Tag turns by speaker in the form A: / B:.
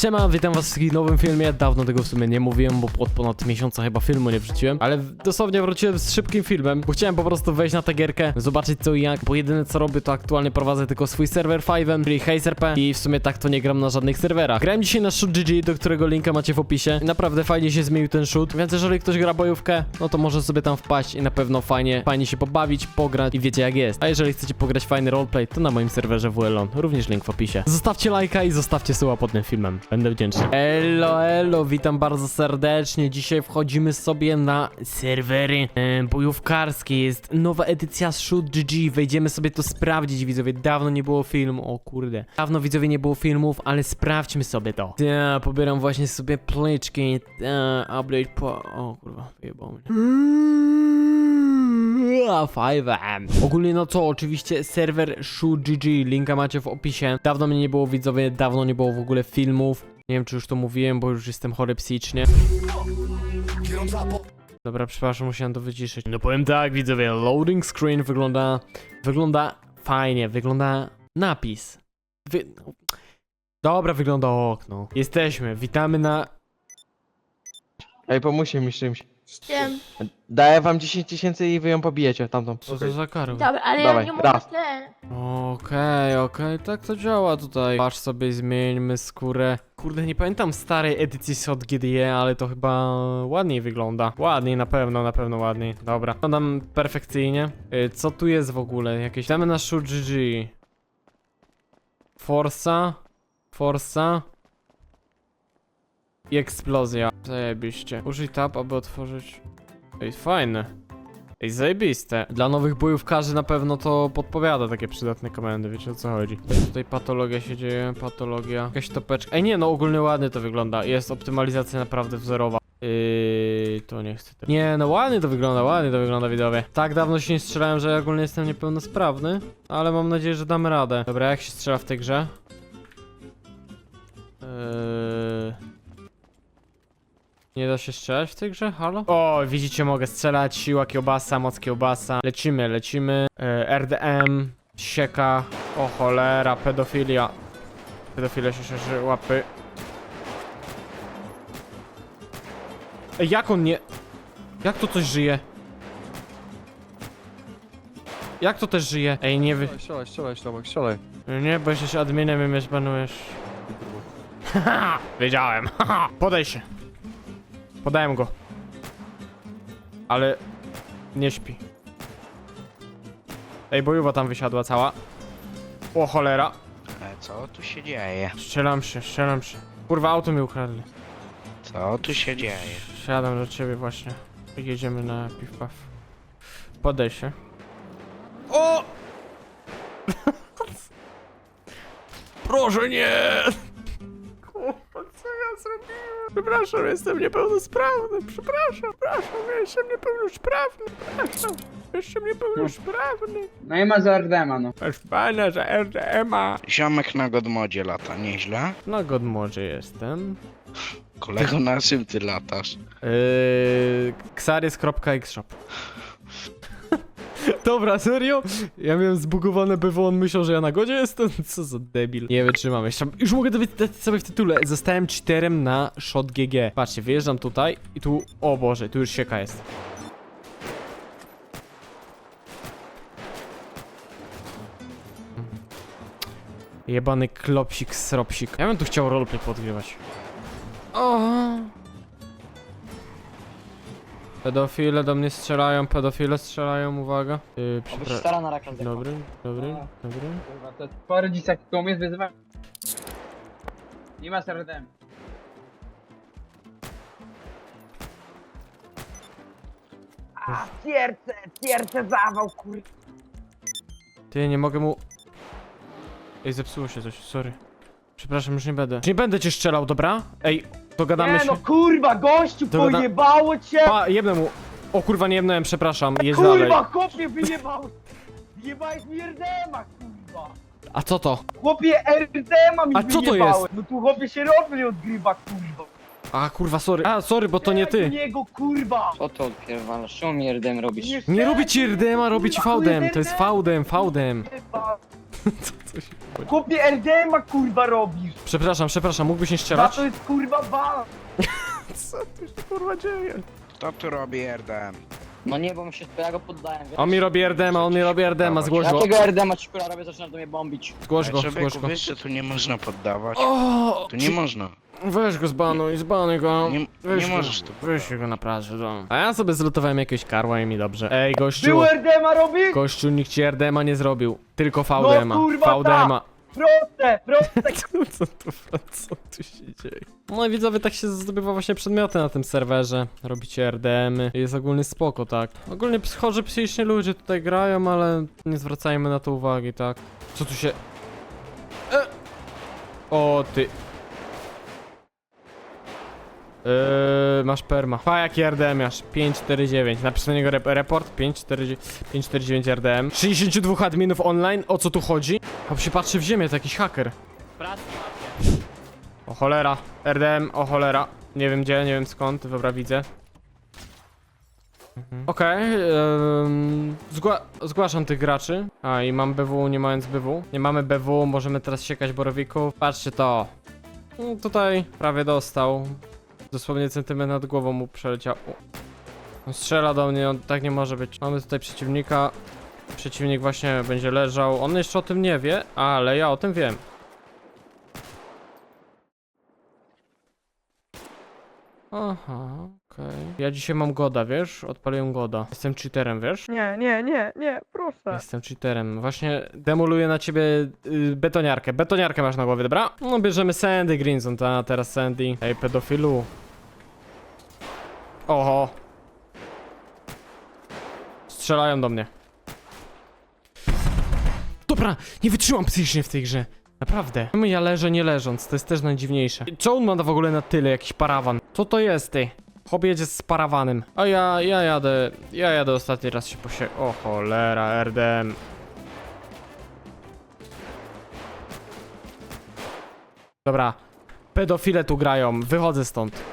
A: Siema, witam was w takim nowym filmie. Dawno tego w sumie nie mówiłem, bo od ponad miesiąca chyba filmu nie wrzuciłem. Ale dosłownie wróciłem z szybkim filmem, bo chciałem po prostu wejść na tę gierkę, zobaczyć co i jak. Bo jedyne co robię, to aktualnie prowadzę tylko swój serwer 5, czyli HazeRP. I w sumie tak to nie gram na żadnych serwerach. Grałem dzisiaj na Shoot.gg, do którego linka macie w opisie. I naprawdę fajnie się zmienił ten shoot. Więc jeżeli ktoś gra bojówkę, no to może sobie tam wpaść i na pewno fajnie się pobawić, pograć i wiecie jak jest. A jeżeli chcecie pograć fajny roleplay, to na moim serwerze WLON, również link w opisie. Zostawcie lajka i zostawcie suba pod tym filmem. Będę wdzięczny. Elo, witam bardzo serdecznie. Dzisiaj wchodzimy sobie na serwery bojówkarskie. Jest nowa edycja Shoot.gg. Wejdziemy sobie to sprawdzić, widzowie. Dawno nie było filmu, o kurde. Dawno, widzowie, nie było filmów, ale sprawdźmy sobie to. Ja pobieram właśnie sobie pliczki. Update po... O kurwa, wyjebał mnie. 5M. Ogólnie no co, oczywiście serwer Shoot.gg, linka macie w opisie. Dawno mnie nie było, widzowie, dawno nie było w ogóle filmów. Nie wiem czy już to mówiłem, bo już jestem chory psychicznie. Dobra, przepraszam, musiałem to wyciszyć. No powiem tak, widzowie, loading screen wygląda fajnie, wygląda napis. Dobra, wygląda okno. Jesteśmy, witamy na...
B: Ej, pomóżcie mi z czymś.
C: Wiem.
B: Daję wam 10 000 i wy ją pobijecie tamtą.
A: Co to za karo?
C: Dobra, ale
B: Dawaj,
C: ja nie mogę
B: raz.
C: ten.
A: Okej, tak to działa tutaj. Patrz sobie, zmieńmy skórę. Kurde, nie pamiętam starej edycji SOT GDE, ale to chyba ładniej wygląda. Ładniej, na pewno ładniej. Dobra, wyglądam perfekcyjnie. Co tu jest w ogóle? Jakieś... Damy na Shoot.gg. Forsa. I eksplozja. Zajebiście. Użyj tab, aby otworzyć... Ej, fajne. Ej, zajebiste. Dla nowych bojówkarzy na pewno to podpowiada takie przydatne komendy, wiecie o co chodzi. Tutaj patologia się dzieje, patologia. Jakaś topeczka. Ej, nie, no ogólnie ładnie to wygląda. Jest optymalizacja naprawdę wzorowa. To nie chcę tego. Nie, no ładnie to wygląda, widzowie. Tak dawno się nie strzelałem, że ja ogólnie jestem niepełnosprawny, ale mam nadzieję, że damy radę. Dobra, jak się strzela w tej grze? Nie da się strzelać w tej grze? Halo? O, widzicie, mogę strzelać. Siła kiełbasa, moc kiełbasa. Lecimy. RDM, sieka. O cholera, pedofilia. Pedofilia się szerzy, łapy. Ej, jak on nie... Jak to coś żyje? Jak to też żyje? Ej, nie wy...
B: Strzelaj.
A: Nie, bo jesteś adminem i mnie zbanujesz. Haha, wiedziałem. Haha, podaj się. Podałem go. Ale... nie śpi. Ej, bojuwa tam wysiadła cała. O cholera.
D: Co tu się dzieje?
A: Strzelam się. Kurwa, auto mi ukradli.
D: Co tu się dzieje?
A: Siadam do ciebie właśnie. Jedziemy na piw-paw. Podaj się. O! Proszę nie! Kurwa, co ja zrobiłem? Przepraszam, jestem niepełnosprawny. Przepraszam, jestem niepełnosprawny.
E: No i ma za RDMA, no.
A: Masz pana za RDMA.
D: Ziomek na Godmodzie lata, nieźle?
A: Na Godmodzie jestem.
D: Kolego, na czym ty latasz?
A: Xaris.xshop. Dobra, serio? Ja miałem zbugowane BW, on myślał, że ja na godzie jestem? Co za debil. Nie wytrzymam jeszcze. Już mogę dowiedzieć sobie w tytule. Zostałem cheaterem na Shot.gg. Patrzcie, wyjeżdżam tutaj i tu... O Boże, tu już sieka jest. Jebany klopsik, sropsik. Ja bym tu chciał roleplay podgrywać. O. Pedofile do mnie strzelają, uwaga.
E: Stara na rakan.
A: Dobry.
E: Kurwa, to po rodzicach koło mnie wyzywa. Nie ma z RDM. A, tierce zawał, kur...
A: Ty, nie mogę mu... Ej, zepsuło się coś, sorry. Przepraszam, już nie będę. Nie będę cię strzelał, dobra? Ej, dogadamy
E: Nie
A: się.
E: no kurwa, gościu,
A: Dogada-
E: pojebało cię!
A: Pa, jebnę mu. O kurwa, nie jebnąłem, przepraszam. Jedź dalej.
E: Kurwa, chłopie, wyjebał! Wyjebałeś mi RDMA, kurwa!
A: A co to?
E: Chłopie, RDMA mi
A: A co to
E: wyjebałeś.
A: jest?
E: No tu chłopie się robi odgrywa, kurwa!
A: A kurwa, sorry. A, sorry, bo to nie ty.
E: niego, kurwa!
F: Co ty odpierdalasz? Czemu mi RDM robisz?
A: Nie robi ci RDMA, robi ci
E: Kurwa,
A: VDM. To jest VDM.
E: Kurwa.
A: Co się chodzi?
E: Chłopie, RDMA kurwa robisz!
A: Przepraszam, mógłbyś nie
E: Za
A: strzelać?
E: to jest kurwa bal!
A: Co tu się kurwa dzieje?
D: Kto tu robi RDM?
C: No nie, bo ja go poddałem, wiesz?
A: On mi robi RDMA, zgłoś go.
C: Jakiego RDMA ci kurwa robię, zaczynasz do mnie bombić.
A: Zgłoś go, zgłoś
D: Człowieku,
A: go.
D: wiesz, że tu nie można poddawać?
A: O,
D: Tu nie można.
A: weź go zbanuj go.
D: Nie
A: Weź go.
D: możesz tu
A: Weź go na plaży, no. A ja sobie zlutowałem jakiegoś karła i mi dobrze. Ej, gościu.
E: Było RDMA robisz?
A: Gościu, nikt ci RDMA nie zrobił. Tylko VDMA.
E: No, kurwa,
A: VDMA.
E: Proste!
A: Co tu się dzieje? No i widzowie, tak się zdobywa właśnie przedmioty na tym serwerze. Robicie RDM-y. Jest ogólnie spoko, tak. Ogólnie chorzy psychicznie ludzie tutaj grają, ale nie zwracajmy na to uwagi, tak. Co tu się... O, ty... masz perma. Pa, jaki RDM masz? 549. Napisz na niego report. 549 RDM. 62 adminów online. O co tu chodzi? A się patrzy w ziemię, to jakiś haker. O cholera. RDM, o cholera. Nie wiem gdzie, nie wiem skąd. Dobra, widzę. Okej, zgłaszam tych graczy. A, i mam BW, nie mając BW. Nie mamy BW, możemy teraz siekać borowików. Patrzcie to. Tutaj prawie dostał. Dosłownie centymetr nad głową mu przeleciał. On strzela do mnie, on tak nie może być. Mamy tutaj przeciwnika. Przeciwnik właśnie będzie leżał. On jeszcze o tym nie wie, ale ja o tym wiem. Aha, okej. Ja dzisiaj mam goda, wiesz? Odpaliłem goda. Jestem cheaterem, wiesz?
E: Nie, proszę.
A: Jestem cheaterem. Właśnie demoluję na ciebie betoniarkę. Betoniarkę masz na głowie, dobra? No bierzemy Sandy Greenson, ta teraz Sandy. Ej, pedofilu. Oho. Strzelają do mnie. Dobra, nie wytrzymam psychicznie w tej grze. Naprawdę. Czemu ja leżę nie leżąc? To jest też najdziwniejsze. Co on ma w ogóle na tyle? Jakiś parawan. Co to jest, ty? Chłop jedzie z parawanem. A ja jadę ostatni raz się O cholera, RDM. Dobra. Pedofile tu grają. Wychodzę stąd.